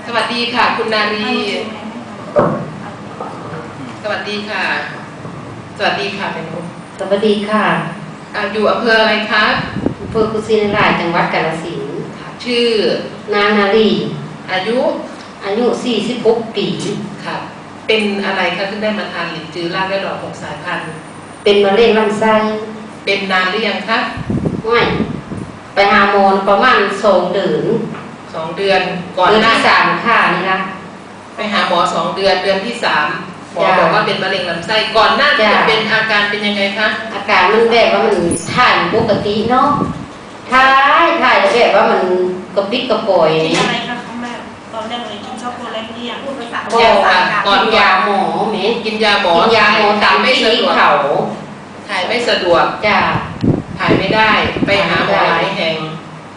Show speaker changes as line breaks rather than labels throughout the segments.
สวัสดีค่ะคุณนารีสวัสดีค่ะสวัสดีค่ะเป็นคุณ
สวัสดีค่ะ
อยู่อำเภออะไรคะ
อำเภอกุชินารายจังหวัดกาฬสินธุ์
ชื่อน
างนารี
อายุ
46 ปี
ค่ะเป็นอะไรคะถึงได้มาทานหลินจือรากและดอก6 สายพันธุ์
เป็นมะเร็งลำไส้
เป็นนานหรือยังคะ
ไม่ไปหาหมอประมาณ2 เดือน
2 เดือนก่อน
เดือนที่3ค่ะนี่นะ
ไปหาหมอ2 เดือนเดือนที่3หมอบอกว่าเป็นมะเร็งลำไส้ก่อนหน้าที่จะเป็นอาการเป็นยังไงคะ
อาการมันแบบว่ามันถ่ายปกติเนาะถ่ายแบบว่ามันกระปิดกระปอย
กินอะไรคะครั้งแรกตอนแรกเลยกินช็อกโกแลตหรือยังพูดภาษา
ก่อนยาหมอแม่
กินยาหมอ
ตามไม่สะดวก
ถ่ายไม่สะดวก
จ้า
ถ่ายไม่ได้ไปหาหมอหลายแห่ง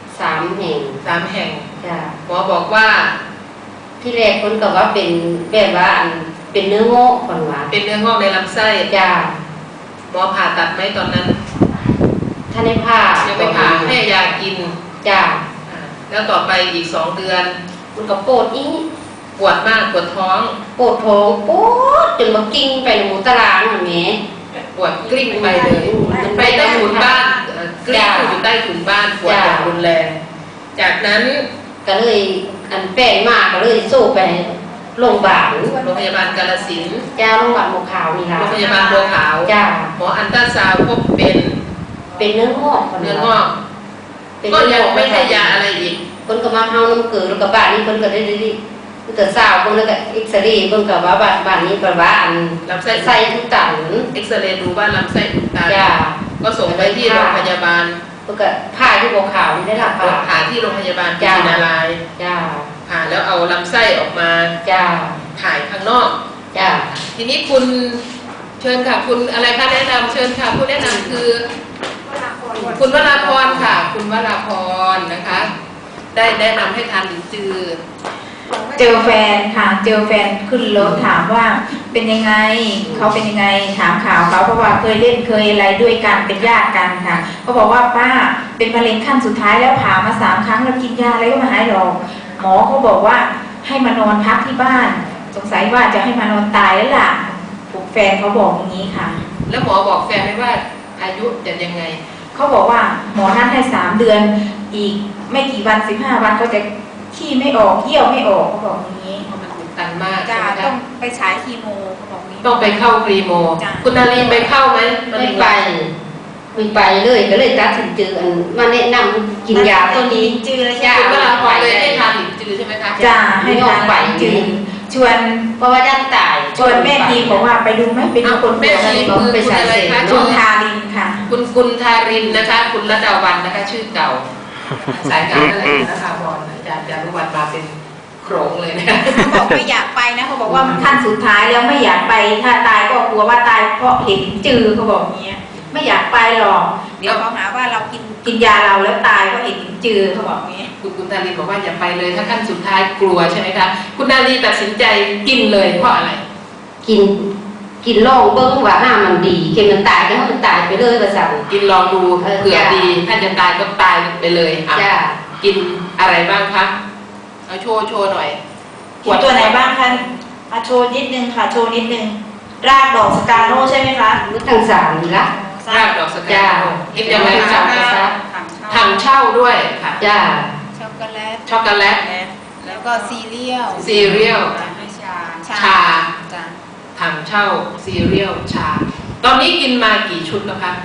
3 แห่ง
จ้าหมอบอกว่า
ที่แรกคนก็ว่าเป็นแบบว่าเป็นเนื้องอกก่อนว่า
เป็นเนื้องอกในลำไส้
จ้า
หมอผ่าตัดไหมตอนนั้น
ถ้าได้ผ่า
ยังไม่ผ่าให้ยากิน
จ้า
แล้วต่อไปอีก2 เดือน
มันก็ปวด
ปวดมากปวดท้อง
ปวดจนมากิ้งไปในหมู่ตารางเหมือนแม่
ปวดกลิ้งไปเลยไปใต้ถุนบ้านกลิ้งอยู่ใต้ถุนบ้านปวดอย่างรุนแรงจากนั้น
ก็เลยแป้งมากก็เลยสู้ไปโรงพยาบาล
กาฬสินธุ์
จ้าโรงพยาบาลบัวขาวนี่ล่ะ
โรงพยาบาลบัวขาว
จ้า
หมออัลตราซาวด์พบเป็น
เนื้องอก
ก็ยังไม่ให้ยาอะไรอีก
คนก็มาเฮาน้ำเกลือแล้วก็บ้านนี้คนก็ได้แต่สาวคนแล้วก็เอ็กซเรย์เพิ่นก็ว่าบ้านนี้เพิ่นว่า
ลำไส้
ทุกตัน
เอ็กซเรย์ดูว่าลำไส้อุดตันก็ส่งไปที่โรงพยาบาล
เพิ่นก็ผ่าที่บัวขาวนี่ได้ล่ะ
ผ่าที่โรงพยาบาลกุชินาราย
จ้า
ผ่าแล้วเอาลำไส้ออกมา
จ้า
ถ่ายข้างนอก
จ้า
ทีนี้คุณเชิญค่ะคุณอะไรคะแนะนำเชิญค่ะผู้แนะนำคือคุณวราพรค่ะคุณวราพรนะคะได้แนะนำให้ทานหลินจือ
เจอแฟนค่ะเจอแฟนขึ้นรถถามว่าเป็นยังไงเขาเป็นยังไงถามข่าวเขาเพราะว่าเคยเล่นเคยอะไรด้วยกันเป็นญาติกันค่ะเขาบอกว่าป้าเป็นมะเร็งขั้นสุดท้ายแล้วผ่ามา3 ครั้งแล้วกินยาอะไรก็ไม่หายหรอกหมอเขาบอกว่าให้มานอนพักที่บ้านสงสัยว่าจะให้มานอนตายแล้วล่ะแฟนเขาบอกอย่างนี้ค่ะ
แล้วหมอบอกแฟนไหมว่าอายุจะยังไง
เขาบอกว่าหมอท่านให้3 เดือนอีกไม่กี่วัน15 วันก็จะขี้ไม่ออกเยี่ยวไม่ออกเขาบอกอย่างนี้
มันอุดตันมาก
จ้าต้องไปฉายคีโมเขาบอกนี้
ต้องไปเข้าคีโมคุณนารีไปเข้าไหม
ไม่ไปเลยก็เลยตัดสินใจมาแนะนำกินยาตัวนี้
จือ
จ้าเวลาพอเลยให้ทานหลินจือใช่ไหมคะ
จ้าให้ทานหลินจือชวน
เพราะว่าด้านตาย
ชวนแม่ทีบอกว่าไปดูไหมไปดูคน
แม่ทีคือคุณอะไรคะ
คุณทารินค่ะ
คุณทารินนะคะคุณรัตดาวันนะคะชื่อเก่าสายงานอะไรนะคะบอลอาจารย์จารุวรรณมาเป็นโครงเลยนะ
เขาบอกไม่อยากไปนะเขาบอกว่ามันขั้นสุดท้ายแล้วไม่อยากไปถ้าตายก็กลัวว่าตายเพราะเห็นจือเขาบอกอย่างเงี้ยไม่อยากไปหรอกเดี๋ยวเขาหาว่าเรากินยาเราแล้วตายเพราะเห็นจือเขาบอกอย่างเงี้ย
คุณนารีบอกว่าอย่าไปเลยถ้าขั้นสุดท้ายกลัวใช่ไหมคะคุณนารีตัดสินใจกินเลยเพราะอะไร
กินลองเบิ้งว่ามันดีเค็มมันตายก็ให้มันตายไปเลยประสัน
กินลองดูเผื่อดีถ้าจะตายก็ตายไปเลย
จ้า
กินอะไรบ้างคะเอาโชว์หน่อย
กินตัวไหนบ้างคะโชว์นิดนึงค่ะโชว์นิดนึงรากดอกสกาโน่ใช่ไหมคะ
ทั้ง3นี่ละ
รากดอกสกาโน่กินยังไงคะถังเช่าด้วยค่ะ
จ้า
ช็อกโกแลต
แล้วก็ซีเรียล
ชาถังเช่าซีเรียลชาตอนนี้กินมากี่ชุดแล้วคะ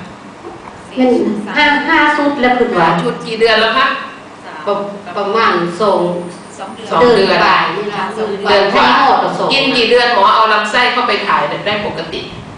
5 ชุดแล้วคือว่า
ชุดกี่เดือนแล้วคะ
ประมาณ2 เดือนบ่ายนี่ละ
เดือนกว่ากินกี่เดือนหมอเอาลำไส้เข้าไปถ่ายได้ปกติ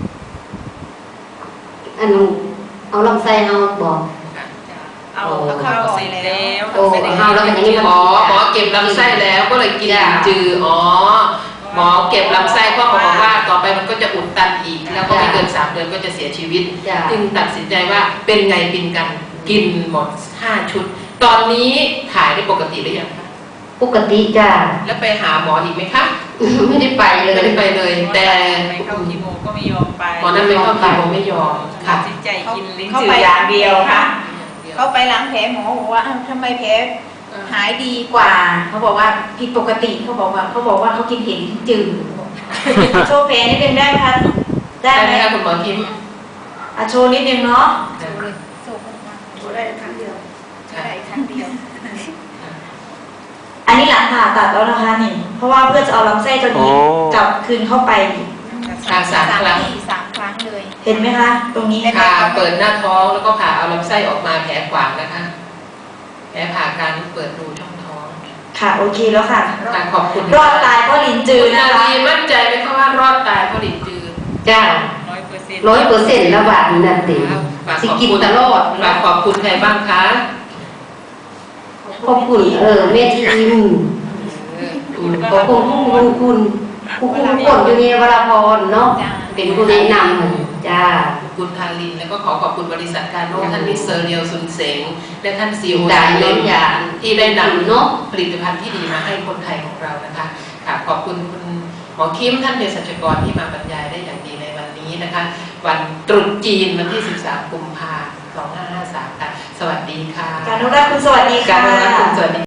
เอาลำไส้เอาบอก
เอาเข้าไปแล้ว
เอาแล้วอย่างนี้
หมอเก็บลำไส้แล้วก็เลยกินจือหมอเก็บลำไส้เพราะหมอบอกว่าต่อไปมันก็จะอุดตันอีกแล้วก็ไม่เกิน3 เดือนก็จะเสียชีวิตจึงตัดสินใจว่าเป็นไงกินกันกินหมด5 ชุดตอนนี้ถ่ายได้ปกติหรือยังคะ
ปกติจ้า
แล้วไปหาหมออีกไหมคะ
ไม่ได้ไป
เลย แต่
ไปเข้าคีโมก็ไม่ยอมไป
หมอนั้นไม่เข้าคีโมไม่ยอม
ตัดสินใจกินลิ้นจืออย่างเดียวค่ะเขาไปล้างแผลหมอบอกว่าทำไมแผลหายดีกว่าเขาบอกว่าผิดปกติเขาบอกว่าเขากินเห็ดลิ้นจืด
โชว์แผลนิดนึงได้ไหมคะได้
ได้
ไห
ไห
ม
มคะคุณหมอคิม
โชว์นิดนึงเนาะ
ได้ครั้งเดียว
อันนี้หลังผ่าตัดแล้วนะคะนี่ เพราะว่าเพื่อจะเอาลำไส้ตัวนี้กลับคืนเข้าไป
ผ่า3 ครั้ง
3 ครั้งเลย
เห็นไหมคะ ตรงนี้
ผ่าเปิดหน้าท้องแล้วก็ผ่าเอาลำไส้ออกมาแผลขวางนะคะแผลผ่ากลางเปิดรูช่องท้อง
ค่ะโอเคแล้วค่ะ
ค่ะขอบคุณ
รอดตายเพราะลิ้นจื
คุ
ด
ณ
นะ
นา
คะ
ลีมั่นใจไหมคะว่ารอดตายเพราะลิ้นจืด
จ้า 100%แล้วบาดนั่นติ
ฝาก
สิ
ขอบ
กิน
คุณ
ตลอด
ฝากขอบคุณใครบ้างคะ
ขอบคุณแม่ทีมขอบคุณคุณคนอยู่นี่วราพรเนาะเป็นผู้แนะนำจ้า
คุณทารินแล้วก็ขอขอบคุณบริษัทการโน้ท่านมิสเตอร์เรียวซุนเสงและท่านซีโอ
ด่าน
เล่
เล่
น
นยา
ที่ได้นำ
เนาะ
ผลิตภัณฑ์ที่ดีมาให้คนไทยของเรานะคะค่ะขอบคุณคุณหมอคิมท่านเภสัชกรที่มาบรรยายได้อย่างดีในวันนี้นะคะ วันตรุษจีนวันที่ 13 กุมภาพันธ์ 2553 ค่ะ สวัสดีค่ะ
การนุรักษ์คุณสวัสดี
กา
ค่ะ
รรับคุณสวัสดี